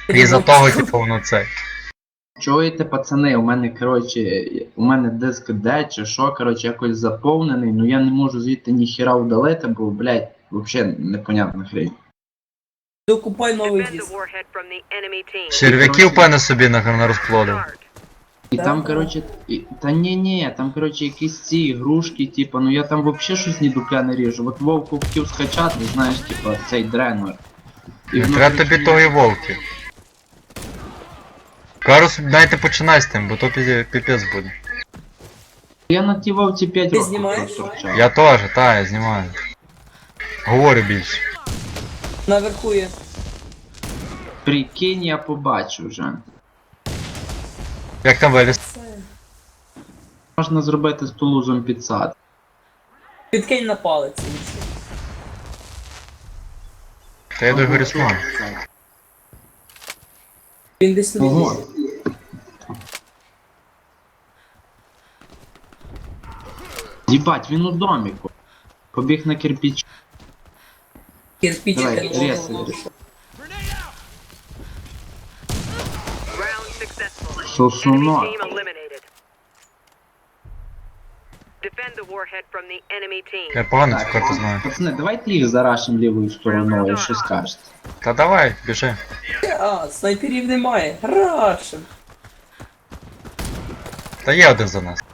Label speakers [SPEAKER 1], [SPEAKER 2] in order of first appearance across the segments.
[SPEAKER 1] І за того, типу, воно це.
[SPEAKER 2] Чуєте, пацани, у мене диск D чи що, коротше, якось заповнений, ну я не можу звідти ніхіра удалити, бо, блядь, взагалі непонятна хрень.
[SPEAKER 3] Докупай новий
[SPEAKER 4] Defend the
[SPEAKER 3] диск.
[SPEAKER 4] warhead from the enemy team.
[SPEAKER 1] Черв'яків, певно, собі на розплодив.
[SPEAKER 4] Start.
[SPEAKER 2] І
[SPEAKER 3] Да,
[SPEAKER 2] там,
[SPEAKER 3] да.
[SPEAKER 2] коротше, та ні, там, коротше, якісь ці ігрушки, типу, ну я там взагалі щось ні дупля не ріжу. От Вовку хотів скачати, знаєш, типу, цей дренер.
[SPEAKER 1] Не
[SPEAKER 2] воно,
[SPEAKER 1] треба
[SPEAKER 2] коротше,
[SPEAKER 1] тобі тої вовки. Карус, дайте починай з тим, бо то піпець буде.
[SPEAKER 2] Я на тій Вовці 5
[SPEAKER 3] Ти
[SPEAKER 2] років
[SPEAKER 3] знімаєш?
[SPEAKER 2] проторчав.
[SPEAKER 1] Я теж, я знімаю. Говорю більше.
[SPEAKER 3] Наверху є.
[SPEAKER 2] Прикинь, я побачу вже.
[SPEAKER 1] Як там виліз?
[SPEAKER 3] Це.
[SPEAKER 2] Можна зробити з тулузом підсад.
[SPEAKER 3] Підкинь на палець. лучше.
[SPEAKER 1] Та я до Горісман.
[SPEAKER 3] Він десь тут.
[SPEAKER 2] Ого. Їбать, він у доміку. Побіг на кирпіч.
[SPEAKER 3] Кирпичики
[SPEAKER 2] Давай,
[SPEAKER 3] на
[SPEAKER 2] рез,
[SPEAKER 3] голову.
[SPEAKER 2] рез.
[SPEAKER 4] Round successful. Enemy
[SPEAKER 2] Сосунок.
[SPEAKER 4] team eliminated. Defend the warhead from the enemy team.
[SPEAKER 1] Я погано цю карту знаю.
[SPEAKER 2] Пацани, давайте їх зарашимо лівою стороною, що скажете.
[SPEAKER 1] Та давай, біжи.
[SPEAKER 3] А, снайперів немає. Рашим.
[SPEAKER 1] Та є один за нас.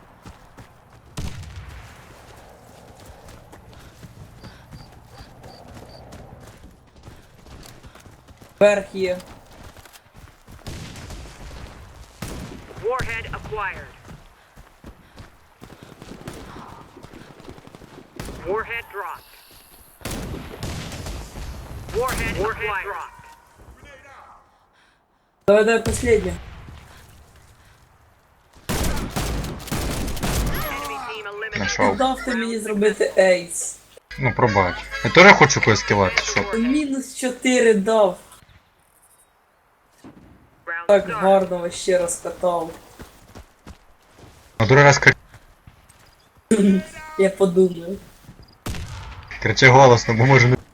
[SPEAKER 3] Верх є.
[SPEAKER 4] Warhead acquired. Warhead dropped. Warhead acquired.
[SPEAKER 3] Давай последнє.
[SPEAKER 4] Enemy team eliminated.
[SPEAKER 1] Нашов.
[SPEAKER 3] Дав ти мені зробити ейс.
[SPEAKER 1] Ну пробач. Я теж хочу когось кілати, що?
[SPEAKER 3] Мінус 4 дав.
[SPEAKER 4] Round
[SPEAKER 3] Так
[SPEAKER 4] start.
[SPEAKER 3] гарно вообще розкатав.
[SPEAKER 1] На другий раз
[SPEAKER 3] Я подумав.
[SPEAKER 1] кричи голосно, бо може не...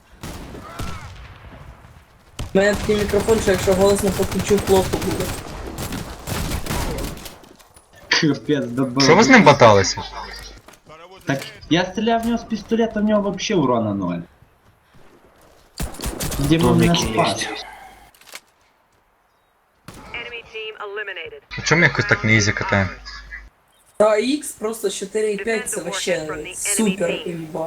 [SPEAKER 3] У мене такий мікрофон, що якщо голосно покричу, плохо буде.
[SPEAKER 2] Капець, добив.
[SPEAKER 1] Що ви з ним баталися?
[SPEAKER 2] Так, я стріляв в нього з пістолета, в нього вообще урона 0. Діма мене спас.
[SPEAKER 4] Enemy team eliminated.
[SPEAKER 1] А чому ми якось так не ізі катаємо?
[SPEAKER 3] Та X просто 4,5 це вообще супер імба.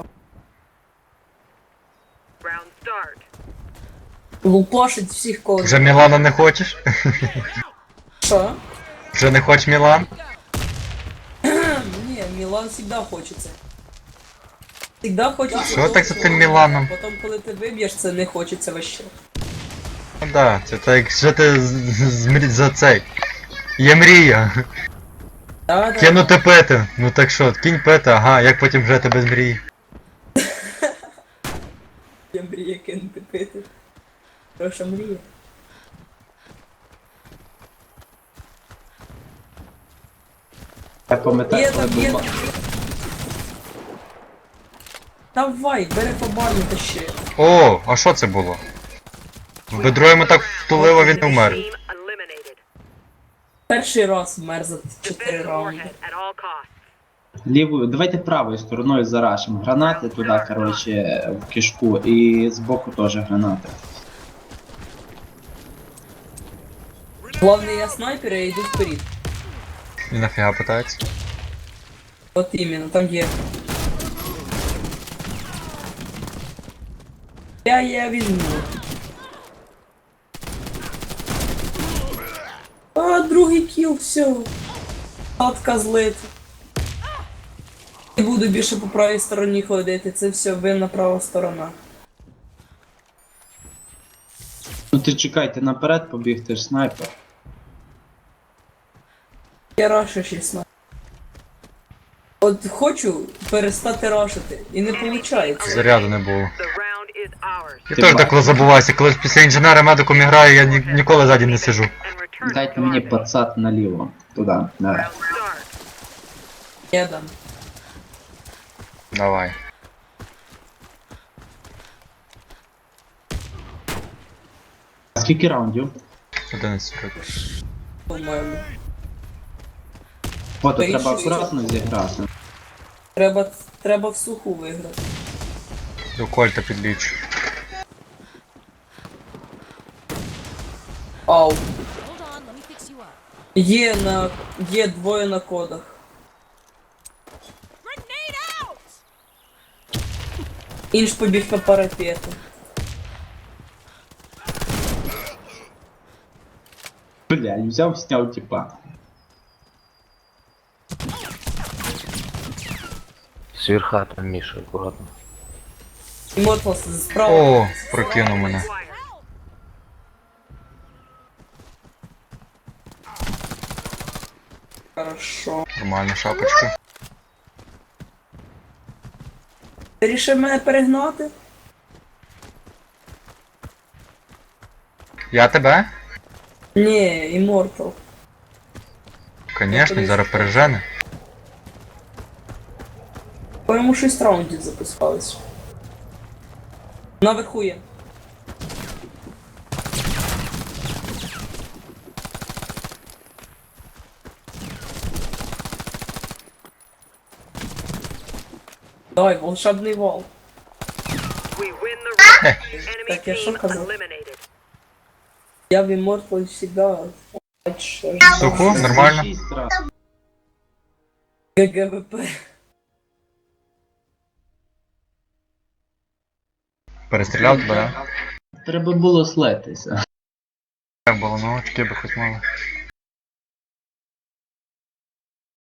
[SPEAKER 4] Round start.
[SPEAKER 3] Лупашить всіх кого.
[SPEAKER 1] Вже Мілана не хочеш?
[SPEAKER 3] Що?
[SPEAKER 1] Вже не хочеш Мілан?
[SPEAKER 3] Ні, Мілан завжди хочеться. Всегда хочеться.
[SPEAKER 1] Що
[SPEAKER 3] того,
[SPEAKER 1] так за
[SPEAKER 3] що-
[SPEAKER 1] тим Міланом?
[SPEAKER 3] Потім, коли ти виб'єш, це не хочеться вообще.
[SPEAKER 1] Ну да, це так як жити за цей. Є мрія.
[SPEAKER 3] Да.
[SPEAKER 1] Кинути пити. Ну так що, кінь пити, ага, як потім жити без мрії?
[SPEAKER 3] Я мрію кинути пити. Хороша мрія.
[SPEAKER 2] Я пам'ятаю,
[SPEAKER 3] Є
[SPEAKER 2] коли
[SPEAKER 3] там, є
[SPEAKER 2] був...
[SPEAKER 3] там. Давай, бери по барні та ще.
[SPEAKER 1] О, а що це було? В бедро йому так втулило, він не вмер.
[SPEAKER 4] Team eliminated.
[SPEAKER 3] Перший раз вмер за 4
[SPEAKER 4] Defend the
[SPEAKER 3] раунди.
[SPEAKER 4] warhead at all costs.
[SPEAKER 2] Лівою, давайте правою стороною зарашимо. Гранати туди, коротше, в кишку, і збоку теж гранати.
[SPEAKER 3] Главное, я снайпер, я йду вперед.
[SPEAKER 1] І нафіга питається?
[SPEAKER 3] От іменно, там є. Я візьму. А, другий кіл, все. Хатка злить. Не буду більше по правій стороні ходити, це все винна права сторона.
[SPEAKER 2] Ну ти чекайте, наперед побіг, ти ж снайпер.
[SPEAKER 3] Я рашу ще снайпер. От хочу перестати рашити, і не виходить.
[SPEAKER 1] Заряду не було.
[SPEAKER 4] The round is ours.
[SPEAKER 1] Я
[SPEAKER 2] Ти
[SPEAKER 1] теж
[SPEAKER 2] бачиш.
[SPEAKER 1] деколи забуваюся, коли після інженера медиком граю, я ніколи ззаді не сижу.
[SPEAKER 4] And return
[SPEAKER 2] Дайте
[SPEAKER 4] to
[SPEAKER 2] мені
[SPEAKER 4] target.
[SPEAKER 2] пацат наліво. Туди, давай.
[SPEAKER 4] Round start.
[SPEAKER 3] Я дам.
[SPEAKER 1] Давай.
[SPEAKER 2] Скільки раундів?
[SPEAKER 1] 11 років.
[SPEAKER 3] По-моєму.
[SPEAKER 2] Фото
[SPEAKER 3] Та
[SPEAKER 2] треба
[SPEAKER 3] і що?
[SPEAKER 2] акуратно зіграти.
[SPEAKER 3] Треба в суху виграти.
[SPEAKER 1] До кольта підлічу.
[SPEAKER 3] Ау.
[SPEAKER 5] Hold on, let me fix you up.
[SPEAKER 3] Є двоє на кодах.
[SPEAKER 5] Grenade out!
[SPEAKER 3] Інш побіг на парапету.
[SPEAKER 2] Бля, взяв, сняв типа.
[SPEAKER 6] Сверха там Миша, аккуратно.
[SPEAKER 3] Імотлас справа.
[SPEAKER 1] О, прокинув мене.
[SPEAKER 4] Acquired.
[SPEAKER 3] Хорошо.
[SPEAKER 1] Нормальна шапочка.
[SPEAKER 3] Ти рішив мене перегнати?
[SPEAKER 1] Я тебе?
[SPEAKER 3] Ні, Іммортал.
[SPEAKER 1] Конечно, зараз пережене.
[SPEAKER 3] По-моєму 6 раундів запускались. Наверху є. Давай, волшебний вал.
[SPEAKER 4] We win the round. Enemy
[SPEAKER 3] Так, я що
[SPEAKER 4] team
[SPEAKER 3] казав?
[SPEAKER 4] eliminated.
[SPEAKER 3] Я в Immortal всегда.
[SPEAKER 1] Суху, нормально.
[SPEAKER 2] 6 раз.
[SPEAKER 3] ГГВП.
[SPEAKER 1] Перестріляв тебе, да?
[SPEAKER 2] Треба було слетися.
[SPEAKER 1] Так було, ну очки би хоч мало.